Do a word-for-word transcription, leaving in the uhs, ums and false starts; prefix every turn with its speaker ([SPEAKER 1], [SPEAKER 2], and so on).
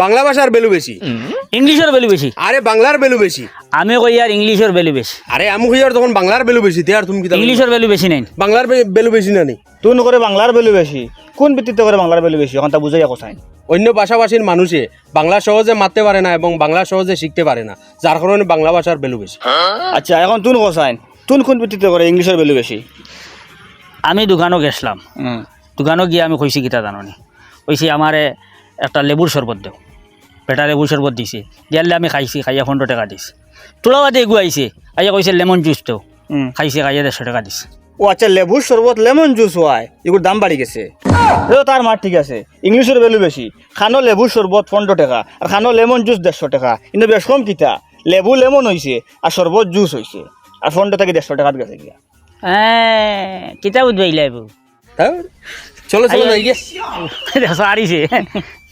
[SPEAKER 1] বাংলা ভাষার ভ্যালু বেশি
[SPEAKER 2] ইংলিশের ভ্যালু বেশি
[SPEAKER 1] আরে বাংলার ভ্যালু বেশি
[SPEAKER 2] আমি কই আর ইংলিশের ভ্যালু বেশি
[SPEAKER 1] আরে আমি কই আর তখন বাংলার ভ্যালু বেশি তে আর তুমি কি
[SPEAKER 2] ইংলিশের ভ্যালু বেশি নাই
[SPEAKER 1] বাংলার ভ্যালু বেশি না নি
[SPEAKER 3] তুন করে বাংলার ভ্যালু বেশি কোন ভিত্তিতে করে বাংলার ভ্যালু বেশি এখন তা বুঝাই কোথায়
[SPEAKER 1] অন্য ভাষাভাষীর মানুষে বাংলা সহজে মারতে পারে না এবং বাংলা সহজে শিখতে পারে না যার কারণে বাংলা ভাষার ভ্যালু বেশি
[SPEAKER 3] আচ্ছা এখন তুন কোথায় তুন কোন ভিত্তিতে করে ইংলিশের ভ্যালু বেশি
[SPEAKER 2] আমি দোকানও গেছিলাম
[SPEAKER 3] হুম
[SPEAKER 2] দোকানও গিয়ে আমি কইছি গীতা জাননি কইছি আমারে একটা লেবুর শরবত দেও বেটা লেবুর শরবত দিছে দিয়ালে আমি খাইছি খাইয়া পনেরো টাকা দিছে তোলা বাদে এগু আইছে আইয়া কইছে লেমন জুস দেও
[SPEAKER 3] হুম
[SPEAKER 2] খাইছে খাইয়া দেড়শো টাকা দিছে
[SPEAKER 3] ও আচ্ছা লেবুর শরবত লেমন জুস হয় এগুলোর দাম বাড়ি গেছে এ তার মার ঠিক আছে ইংলিশের ভ্যালু বেশি খানো লেবুর শরবত পনেরো টাকা আর খানো লেমন জুস দেড়শো টাকা কিন্তু বেশ কম কিতা লেবু লেমন হয়েছে আর শরবত জুস হয়েছে আর পনেরো থেকে দেড়শো টাকা গেছে গিয়া
[SPEAKER 2] হ্যাঁ কিতা বুঝবাইলা এবু
[SPEAKER 1] হ্যাঁ চলো চলো যাই গে
[SPEAKER 2] সারিছে